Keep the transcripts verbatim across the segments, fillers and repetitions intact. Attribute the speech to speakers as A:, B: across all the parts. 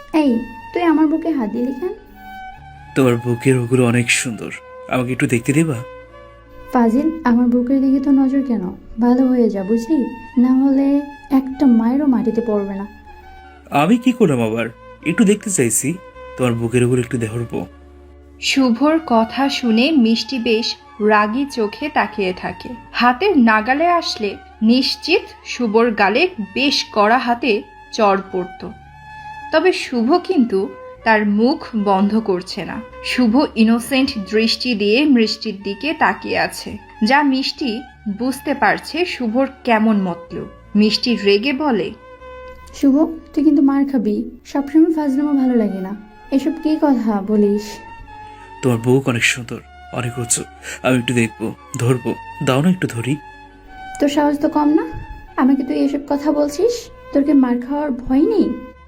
A: এই, তুই আমার বুকে হাত দিলি কেন?
B: তোমার বুকের ওগুলো অনেক সুন্দর, আমাকে একটু দেখতে দেবা?
A: ফাজিল, আমার বুকের দিকে তো নজর কেন? ভালো হয়ে যা বুঝলি, না হলে একটা মায়েরও মাটিতে পড়বে না।
B: আমি কি করলাম আবার? একটু দেখতে চাইছি, তোমার বুকের ওগুলো একটু দেখবো।
C: শুভর কথা শুনে মিষ্টি বেশ রাগী চোখে তাকিয়ে থাকে। হাতের নাগালে আসলে নিশ্চিত শুভর গালে বেশ কড়া হাতে চড় পড়ত। তবে শুভ কিন্তু তার মুখ বন্ধ করছে না। শুভ ইনোসেন্ট দৃষ্টি দিয়ে মিষ্টির দিকে তাকিয়ে আছে, যা মিষ্টি বুঝতে পারছে শুভর কেমন মতলব। মিষ্টি রেগে বলে,
A: শুভ, তুই কিন্তু মার খাবি। সবসময় ফাজলামো ভালো লাগে না। এসব কি কথা বলিস?
B: তোমার বুক অনেক সুন্দর, অনেক উঁচু, আমি একটু দেখবো, ধরবো, দাও না একটু ধরি।
A: তোর সাহস তো কম না, আমাকে তুই এসব কথা বলছিস? তোর কি মার খাওয়ার ভয় নেই?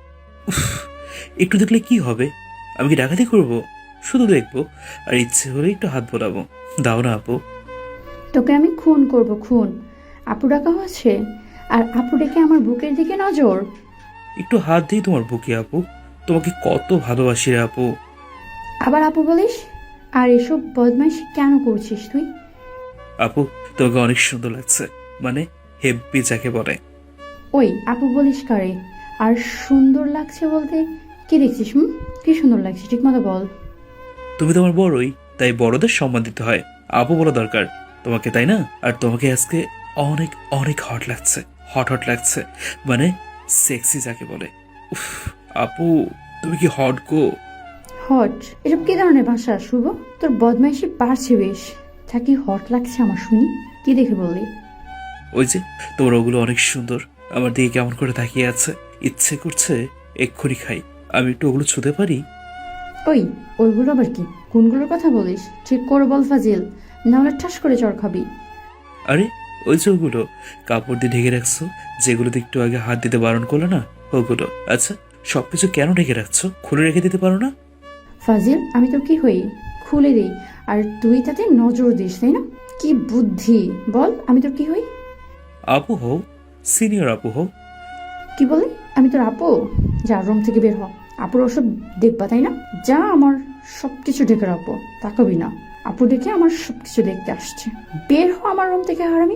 B: একটু দেখলে কি হবে? আমি কি ডাকাতি করবো? শুধু দেখবো, আর ইচ্ছে হলে একটু হাত বোলাবো। দাও না আপু।
A: তোকে আমি খুন করব, খুন। আপু ডাকা হচ্ছে, আর আপু ডেকে আমার বুকের দিকে নজর।
B: একটু হাত দিই তোমার বুকে আপু, তোমাকে কত ভালোবাসি রে আপু।
A: আবার আপু বলিস? আর এসব বদমাইশি কেন করছিস তুই?
B: আপু, তোমাকে অনেক সুন্দর লাগছে, মানে হেব্বি যাকে বলে।
A: ওই আপু বলিস কারে? আর সুন্দর লাগছে বলতে কি দেখছিস? হুম, কি সুন্দর লাগছে ঠিক মতো বল।
B: তুমি তোমার বড়ই, তাই বড়দের সম্মান দিতে হয়। আপু বলা দরকার তোমাকে, তাই না? আর তোমাকে আজকে অনেক অনেক হট লাগছে, হট হট লাগছে, মানে সেক্সি যাকে বলে। উফ, আপু তুমি কি হট গো।
A: হট? এসব কি ধরনের ভাষা শুভ? তোর বদমাইশি বাড়ছে বেশ। থাকি হট লাগছে আমার, শুনি কি দেখে বললি?
B: ওই যে তোমার ওগুলো অনেক সুন্দর, আমার দিকে কেমন করে তাকিয়ে আছে, ইচ্ছে করছে এক্ষুনি খাই। আমি একটু ওগুলো ছুঁতে পারি?
A: ওই, ওইগুলো আবার কি? কোনগুলোর কথা বলিস ঠিক করে বল ফাজিল, নাহলে ঠাস করে চড় খাবি।
B: আরে ওই যে ওগুলো কাপড় দিয়ে ঢেকে রাখছো, যেগুলোতে একটু আগে হাত দিতে বারণ করলো না, ওগুলো। আচ্ছা, সবকিছু কেন ঢেকে রাখছো? খুলে রেখে দিতে পারো না?
A: ফাজিল, আমি তোর কি হই? খুলে দিই আর তুই তাতে নজর দিস, তাই না? কি বুদ্ধি! বল, আমি তোর কি হই?
B: আপু হও, সিনিয়র আপু হও।
A: কি বলি? আমি তোর আপু? যা, রুম থেকে বের হ। আপুর ওসব দেখবা, তাই না? যা, আমার সবকিছু ঢেকে রাখবো, তাকাবি না। আপু ডেকে আমার সবকিছু দেখতে আসছে। বের হ আমার রুম থেকে, হারামি।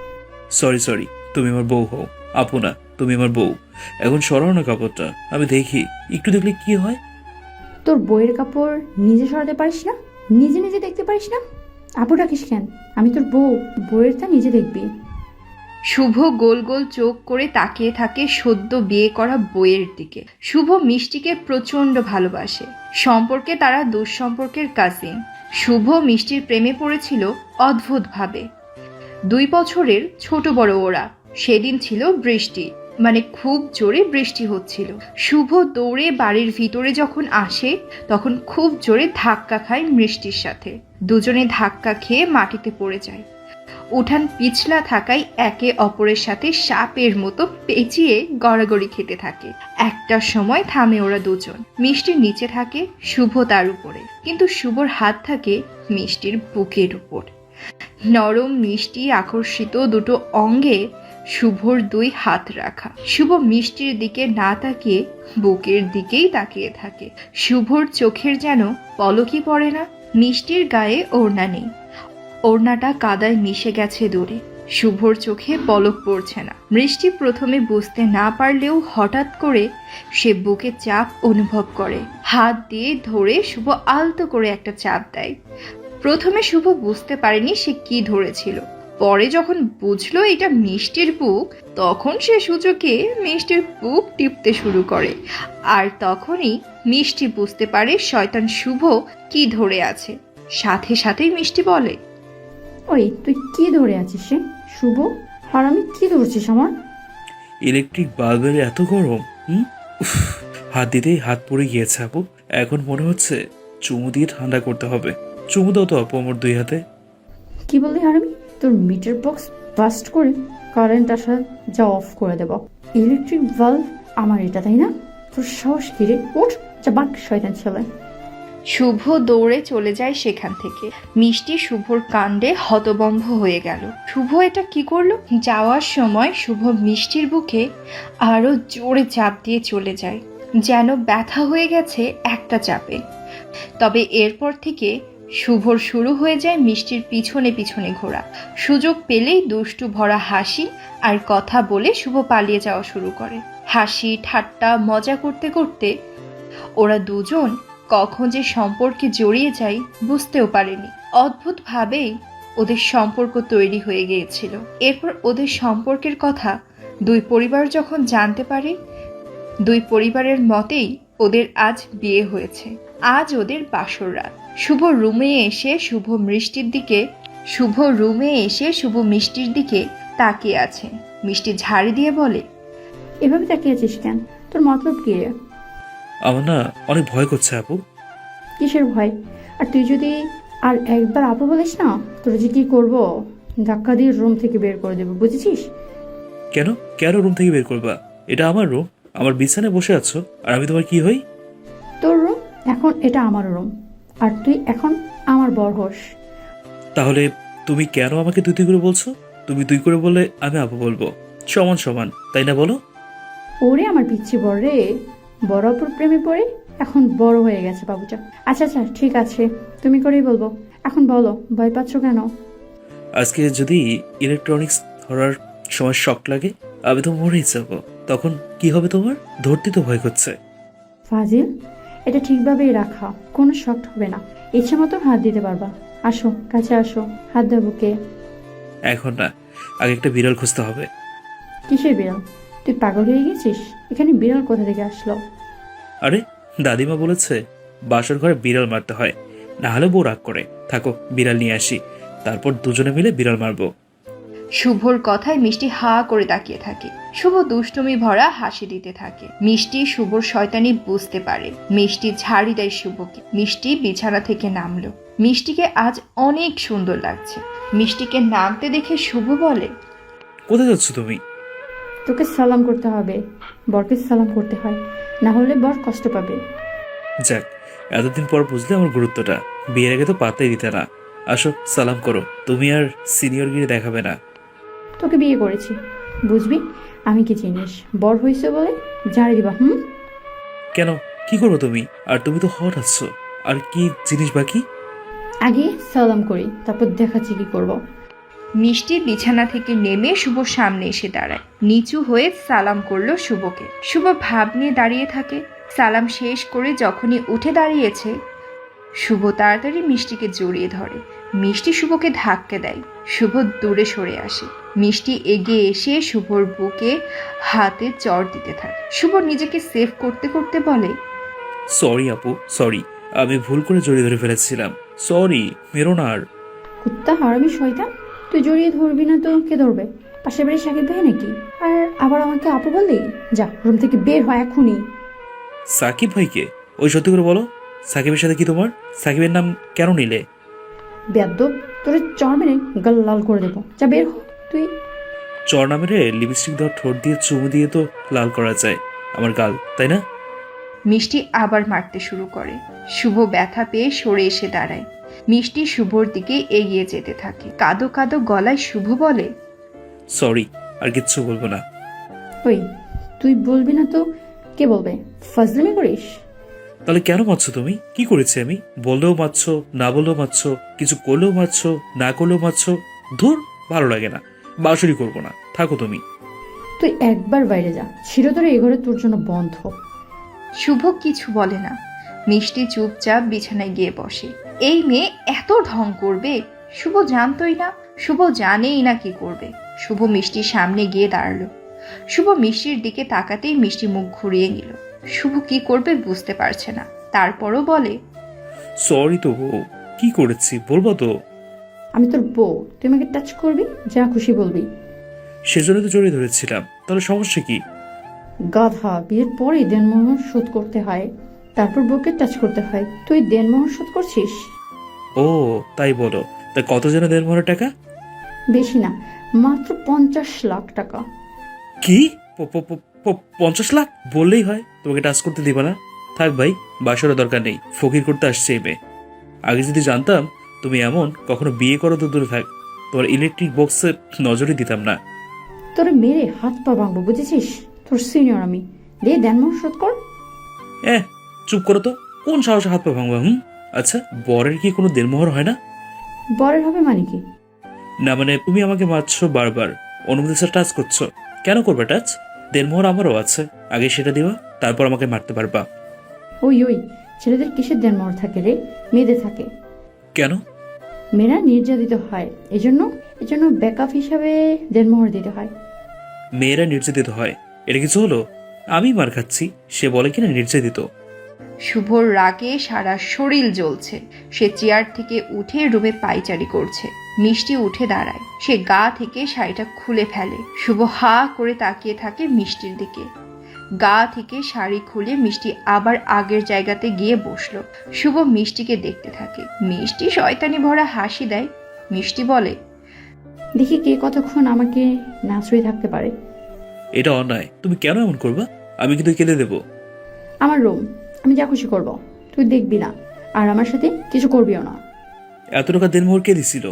B: সরি সরি, তুমি আমার বউ হও, আপু না, তুমি আমার বউ। এখন সরাও না কাপড়টা, আমি দেখি, একটু দেখলে কি হয়।
A: তোর বইয়ের কাপড় নিজে সরাতে পারিস না? নিজে নিজে দেখতে পারিস না? আপু ডাকিস কেন? আমি তোর বউ, বইয়েরটা নিজে দেখবি।
C: শুভ গোল গোল চোখ করে তাকিয়ে থাকে সদ্য বিয়ে করা বইয়ের দিকে। শুভ মিষ্টিকে প্রচণ্ড ভালোবাসে। সম্পর্কে তারা দুঃসম্পর্কের কাজিন। শুভ মিষ্টির প্রেমে পড়েছিল অদ্ভুতভাবে। দুই বছরের ছোট বড় ওরা। সেদিন ছিল বৃষ্টি, মানে খুব জোরে বৃষ্টি হচ্ছিল। শুভ দৌড়ে বাড়ির ভিতরে যখন আসে, তখন খুব জোরে ধাক্কা খায় মিষ্টির সাথে। দুজনে ধাক্কা খেয়ে মাটিতে পড়ে যায়। উঠান পিছলা থাকায় একে অপরের সাথে সাপের মতো পেঁচিয়ে গড়াগড়ি খেতে থাকে। একটা সময় থামে ওরা দুজন। মিষ্টির নিচে থাকে, শুভ তার উপরে, কিন্তু শুভর হাত থাকে মিষ্টির বুকের উপর। নরম মিষ্টি আকর্ষিত দুটো অঙ্গে শুভর দুই হাত রাখা। শুভ মিষ্টির দিকে না তাকিয়ে বুকের দিকেই তাকিয়ে থাকে। শুভর চোখের যেন পলকই পড়ে না। মিষ্টির গায়ে ওড়না নেই, ওড়নাটা কাদায় মিশে গেছে দূরে। শুভর চোখে পলক পড়ছে না। মিষ্টি প্রথমে বুঝতে না পারলেও হঠাৎ করে সে বুকে চাপ অনুভব করে। হাত দিয়ে ধরে শুভ আলতো করে একটা চাপ দেয়। প্রথমে শুভ বুঝতে পারেনি সে কি ধরেছিল। পরে যখন বুঝলো এটা মিষ্টির বুক, তখন সে সূচকে মিষ্টির বুক টিপতে শুরু করে। আর তখনই মিষ্টি বুঝতে পারে শয়তান শুভ কি ধরে আছে। সাথে সাথেই মিষ্টি বলে,
A: ওই, তুই কি ধরে আছিস রে শুভ? হারামি, কি ধরছিস আমার?
B: ইলেকট্রিক বাল্বের এত গরম। হুম, উফ, হাত দিতেই হাত পড়ে গিয়েছে আপু। এখন মনে হচ্ছে চুমু দিয়ে ঠান্ডা করতে হবে। চুমু দাও তো আপু আমার দুই হাতে।
A: কি বললি হারামি? তোর মিটার বক্স বাস্ট করে কারেন্ট আসা যা অফ করে দেব। ইলেকট্রিক বাল্ব আমার এটা, তাই না? তোর সাহস কি রে? উঠ, যা বাক শয়তান ছেলে।
C: শুভ দৌড়ে চলে যায় সেখান থেকে। মিষ্টি শুভর কাণ্ডে হতবম্ব হয়ে গেল। শুভ এটা কি করলো? যাওয়ার সময় শুভ মিষ্টির বুকে আরো জোরে চাপ দিয়ে চলে যায়। যেন ব্যথা হয়ে গেছে একটা চাপে। তবে এরপর থেকে শুভর শুরু হয়ে যায় মিষ্টির পিছনে পিছনে ঘোরা। সুযোগ পেলেই দুষ্টু ভরা হাসি আর কথা বলে শুভ পালিয়ে যাওয়া শুরু করে। হাসি ঠাট্টা মজা করতে করতে ওরা দুজন কখন যে সম্পর্কে জড়িয়ে যায় বুঝতেও পারেনি। অদ্ভুতভাবেই ওদের সম্পর্ক তৈরি হয়ে গিয়েছিল। এরপর ওদের সম্পর্কের কথা দুই পরিবার যখন জানতে পারে, দুই পরিবারের মতেই ওদের আজ বিয়ে হয়েছে। আজ ওদের বাসর রাত। শুভ রুমে এসে শুভ মিষ্টির দিকে শুভ রুমে এসে শুভ মিষ্টির দিকে তাকিয়ে আছে। মিষ্টি ঝাড়ি দিয়ে বলে,
A: এভাবে তাকিয়ে আছিস কেন? তোর মতলব কি রে?
B: আমার না অনেক ভয় করছে আপু।
A: কিসের ভয়? আর তুই যদি আর একবার আপু বলিস না, তোর যে কি করবো, ধাক্কা দিয়ে রুম থেকে বের করে দেবো, বুঝেছিস?
B: কেন কেন রুম থেকে বের করবা? এটা আমার রুম, আমার বিছানায় বসে আছো, আর আমি তোমার কি হই?
A: তোর রুম এখন, এটা আমার রুম, আর তুই এখন আমার বর হোস।
B: তাহলে তুমি কেন আমাকে তুই তুই করে বলছো? তুমি তুই করে বললে আমি আপু বলবো, সমান সমান, তাই না বলো?
A: ওরে আমার পিচ্ছি বর রে, বড় অপুর প্রেমে পড়ে এখন বড় হয়ে গেছে বাবুটা। আচ্ছা আচ্ছা ঠিক আছে, তুমি করেই বলবো। এখন বলো, ভয় পাচ্ছ কেন?
B: আজকে যদি ইলেকট্রনিক্স ধরার সময় শক লাগে, আমি তো মরেই যাবো। তখন কি হবে তোমার? ধরতে তো ভয় করছে।
A: ফাজিল, এটা ঠিকভাবেই রাখা, কোনো শক্ট হবে না। ইচ্ছে মতো হাত দিতে পারবা। আসো কাছে আসো, হাত দেবো কে?
B: এখন না, আগে একটা বিড়াল খুঁজতে হবে।
A: কিসের বিড়াল? তুই পাগল হয়ে গেছিস? এখানে বিড়াল কোথা থেকে আসলো?
B: আরে দাদিমা বলেছে বাসর ঘরে বিড়াল মারতে হয়, না হলে বউ রাগ করে। থাকো, বিড়াল নিয়ে আসি, তারপর দুজনে মিলে বিড়াল মারবো।
C: শুভর কথায় মিষ্টি হা করে তাকিয়ে থাকে। শুভ দুষ্টুমি ভরা হাসি দিতে থাকে। মিষ্টি শুভর শয়তানি বুঝতে পারে। মিষ্টি ঝাড়ি দেয় শুভকে। মিষ্টি বিছানা থেকে নামলো। মিষ্টিকে আজ অনেক সুন্দর লাগছে। মিষ্টিকে নামতে দেখে শুভ বলে,
B: কোথায় যাচ্ছ তুমি?
A: তোকে সালাম করতে হবে, বরকে সালাম করতে হয়, না হলে বর কষ্ট পাবে।
B: যাক, এতদিন পর বুঝলে আমার গুরুত্বটা। বিয়ের আগে তো পাত্তাই দিতে না। আসো সালাম করো, তুমি আর সিনিয়রগিরি দেখাবে না।
A: তোকে বিয়ে করেছি, বুঝবি আমি কি জিনিস। বর হয়েছে বলে ঝাড়ি দিবা? হুম?
B: কেন, কি করবো তুমি? আর তুমি তো হট আছো, আর কি জিনিস বাকি?
A: আগে সালাম করি, তারপর দেখাচ্ছি কি করব।
C: মিষ্টি বিছানা থেকে নেমে শুভর সামনে এসে দাঁড়ায়। নিচু হয়ে সালাম করলো শুভকে। শুভ ভাব নিয়ে দাঁড়িয়ে থাকে। সালাম শেষ করে যখনই উঠে দাঁড়িয়েছে, শুভ তাড়াতাড়ি মিষ্টিকে জড়িয়ে ধরে। মিষ্টি শুভকে ধাক্কা দেয়। শুভ দূরে সরে আসে। মিষ্টি এগিয়ে এসে শুভর বুকে হাতে চড় দিতে থাকে। শুভ নিজেকে সেভ করতে করতে বলে,
B: সরি আপু, সরি, আমি ভুল করে জড়িয়ে ধরে ফেলেছিলাম। সরি, মেরো না আর।
A: কুত্তা হারামি শয়তান, তুই জড়িয়ে ধরবি না তো কে ধরবে? পাশের বাড়ির সাকিব ভাই নাকি? আর আবার আমাকে আপু বললি? যা রুম থেকে বের হয় এখনই।
B: সাকিব ভাইকে? ওই সত্যি করে বলো, সাকিবের সাথে কি তোমার? সাকিবের নাম কেন নিলে?
A: বেয়াদব, তোর চর মেরে গাল লাল করে দেবো। যা বের হ তুই।
B: চর নামের লিপস্টিক দেওয়া ঠোঁট দিয়ে চুমু দিয়ে তো লাল করা যায় আমার গাল, তাই না?
C: মিষ্টি আবার মারতে শুরু করে। শুভ ব্যথা পেয়ে সরে এসে দাঁড়ায়। মিষ্টি শুভর দিকে এগিয়ে যেতে থাকে। কাদো কাদো গলায় শুভ বলে,
B: সরি, আর কিচ্ছু বলবো না।
A: ওই, তুই বলবি না তো কে বলবে? ফাজলামি করিস?
B: তাহলে কেন মারছো তুমি? কি করেছি আমি? বললেও মারছো, না বললেও মারছো, কিছু করলেও মারছো, না করলেও মারছো। ধুর, ভালো লাগে না, বাসুরি করবো না, থাকো তুমি।
A: তুই একবার বাইরে যা, চিরতরে এ ঘরে তোর জন্য বন্ধ।
C: শুভ কিছু বলে না। মিষ্টি চুপচাপ বিছানায় গিয়ে বসে। এই মেয়ে এত ঢং করবে শুভ জানতই না। শুভ জানেই না কি করবে। শুভ মিষ্টির সামনে গিয়ে দাঁড়ালো। শুভ মিষ্টির দিকে তাকাতেই মিষ্টি মুখ ঘুরিয়ে নিল। শুভ কি করবে বুঝতে পারছে না। তারপরও বলে,
B: সরি তো বউ, কি করেছি বলবো তো?
A: আমি তোর বউ, তুই আমাকে টাচ করবি, যা খুশি বলবি।
B: সেজন্য তো জড়িয়ে ধরেছিলাম, তাহলে সমস্যা কি?
A: গাধা, বিয়ের পরে দেনমোহর শোধ করতে হয়, তারপর বউকে টাচ করতে হয়। তুই দেনমোহর শোধ করছিস?
B: ও তাই বলো। তা কত যেন দেড় মনের টাকা?
A: বেশি না, মাত্র পঞ্চাশ লাখ টাকা।
B: কি? প- প- প- প- পঞ্চাশ লাখ বললেই হয়, তোমাকে টাচ করতে দিবা না। থাক ভাই, বাসরের দরকার নেই, ফকির করতে আসছে এই মেয়ে। আগে যদি জানতাম তুমি এমন, কখনো বিয়ে করো তো দূরে থাক, তোমার ইলেকট্রিক বক্সে নজরই দিতাম না।
A: তোরে মেরে হাত পা ভাঙবো, বুঝেছিস? তোর সিনিয়র আমি। দে দেনমোহর শোধ কর।
B: এ চুপ করো তো, কোন সাহসে হাত পা ভাঙবা? হুম, আচ্ছা বরের কি কোনো দেনমোহর হয় না?
A: বরের হবে মানে কি?
B: না মানে তুমি আমাকে মারছো বারবার, অনুমতি স্যার টাচ করছো, কেন করবে টাচ? দেনমোহর আমারও আছে, আগে সেটা দিবা, তারপর আমাকে মারতে পারবা।
A: ওই ওই, ছেলেদের কিসের দেনমোহর থাকে রে? মেয়েদের থাকে।
B: কেন?
A: মেয়েরা নির্যাতিত হয়, এজন্য এজন্য ব্যাকআপ হিসাবে দেনমোহর দিতে হয়।
B: মেয়েরা নির্যাতিত হয়, এটা কিছু হলো? আমি মার খাচ্ছি, সে বলে কিনা নির্যাতিত।
C: শুভর রাগে সারা শরীর জ্বলছে। সে চেয়ার থেকে উঠে রুমে পায়চারি করছে। মিষ্টি উঠে দাঁড়ায়, সে গা থেকে শাড়িটা খুলে ফেলে। শুভ হা করে তাকিয়ে থাকে মিষ্টির দিকে। গা থেকে শাড়ি খুলে মিষ্টি আবার আগের জায়গাতে গিয়ে বসলো। শুভ মিষ্টিকে দেখতে থাকে। মিষ্টি শয়তানি ভরা হাসি দেয়। মিষ্টি বলে,
A: দেখি কে কতক্ষণ আমাকে না ছুঁয়ে থাকতে পারে।
B: এটা অন্যায়, তুমি কেন এমন করবা? আমি কিন্তু কেঁদে দেবো।
A: আমার রুম, আমি যা খুশি করব, তুই দেখবি না, আর আমার সাথে কিছু করবিও না।
B: এত টাকা দেনমোহর কে দিছিল?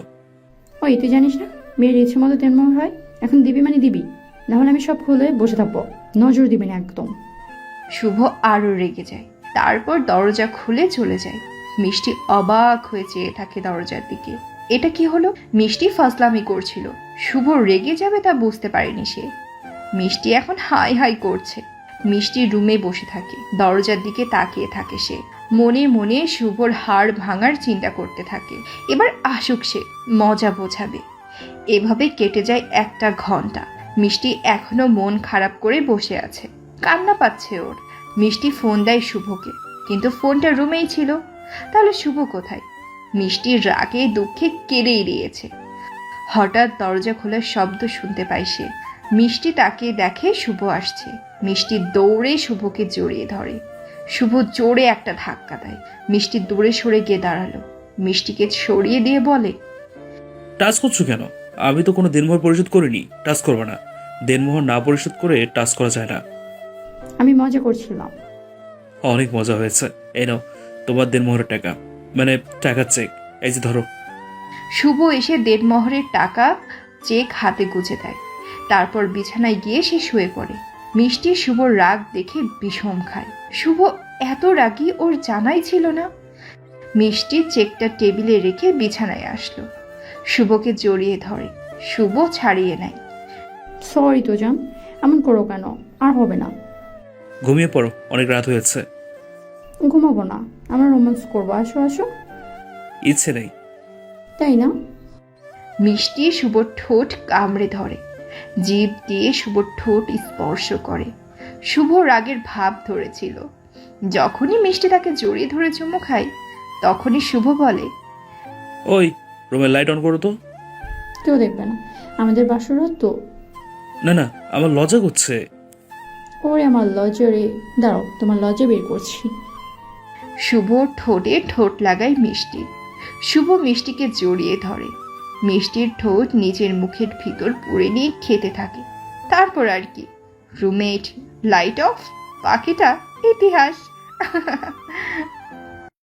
A: ওই তুই জানিস না মেয়ের ইচ্ছে মতো দেনমোহর হয়? এখন দিবি মানে দিবি, না হলে আমি সব খুলে বসে থাকবো, নজর দিবি না একদম।
C: শুভ আরো রেগে যায়। তারপর দরজা খুলে চলে যায়। মিষ্টি অবাক হয়ে চেয়ে থাকে দরজার দিকে। এটা কি হলো? মিষ্টি ফাজলামি করছিল, শুভ রেগে যাবে তা বুঝতে পারেনি সে। মিষ্টি এখন হাই হাই করছে। মিষ্টি রুমে বসে থাকে, দরজার দিকে তাকিয়ে থাকে সে। মনে মনে শুভর হাড় ভাঙার চিন্তা করতে থাকে। এবার আসুক সে, মজা বোঝাবে। এভাবে কেটে যায় একটা ঘন্টা। মিষ্টি এখনো মন খারাপ করে বসে আছে, কান্না পাচ্ছে ওর। মিষ্টি ফোন দেয় শুভকে, কিন্তু ফোনটা রুমেই ছিল। তাহলে শুভ কোথায়? মিষ্টি রাগে দুঃখে কেঁদেই দিয়েছে। হঠাৎ দরজা খোলার শব্দ শুনতে পায় সে। মিষ্টি তাকে দেখে শুভ আসছে। মিষ্টি দৌড়ে শুভকে জড়িয়ে ধরে। শুভ জোরে একটা ধাক্কা দেয়। মিষ্টি দূরে সরে গিয়ে দাঁড়ালো। মিষ্টিকে সরিয়ে দিয়ে বলে,
B: টাচ করছো কেন? আমি তো কোনো দেনমোহর পরিশোধ করিনি, টাচ করবে না। দেনমোহর না পরিশোধ করে টাচ করা যায় না।
A: আমি মজা করছিলাম।
B: অনেক মজা হয়েছে, এই নাও তোমার দেনমোহরের টাকা, মানে টাকা চেক, এই যে ধরো।
C: শুভ এসে দেড়মোহরের টাকা চেক হাতে গুজে দেয়। তারপর বিছানায় গিয়ে সে শুয়ে পড়ে। মিষ্টি শুভর রাগ দেখে বিষম খায়। শুভ এত রাগী ওর জানাই ছিল না। মিষ্টি চেকটা টেবিলে রেখে বিছানায় আসলো। শুভকে জড়িয়ে ধরে। শুভ ছাড়িয়ে নেয়।
A: সরি তো জান, এমন করো কেন? আর হবে না।
B: ঘুমিয়ে পড়ো, অনেক রাত হয়েছে।
A: ঘুমাবো না, আমরা রোম্যান্স করবো, আসো আসো।
B: ইচ্ছে নেই।
A: তাই না?
C: মিষ্টি শুভর ঠোঁট কামড়ে ধরে, জিভ দিয়ে শুভর ঠোঁট স্পর্শ করে। শুভ রাগের ভাব ধরেছিল। যখনই মিষ্টি তাকে জড়িয়ে ধরে চুমু খায়, তখনই শুভ বলে,
B: ওই রুমের লাইট অন করো তো।
A: কেউ দেখবে না, আমাদের বাসরাত তো।
B: না না, আমার লজ্জা করছে।
A: ওরে আমার লজরে, দাঁড়াও তোমার লজে বের করছি।
C: শুভ ঠোঁটে ঠোঁট লাগায় মিষ্টি। শুভ মিষ্টিকে জড়িয়ে ধরে। মিষ্টির ঠোঁট নিজের মুখের ভিতর পুড়ে নিয়ে খেতে থাকে। তারপর আর কি, রুমেট, লাইট অফ, বাকিটা ইতিহাস।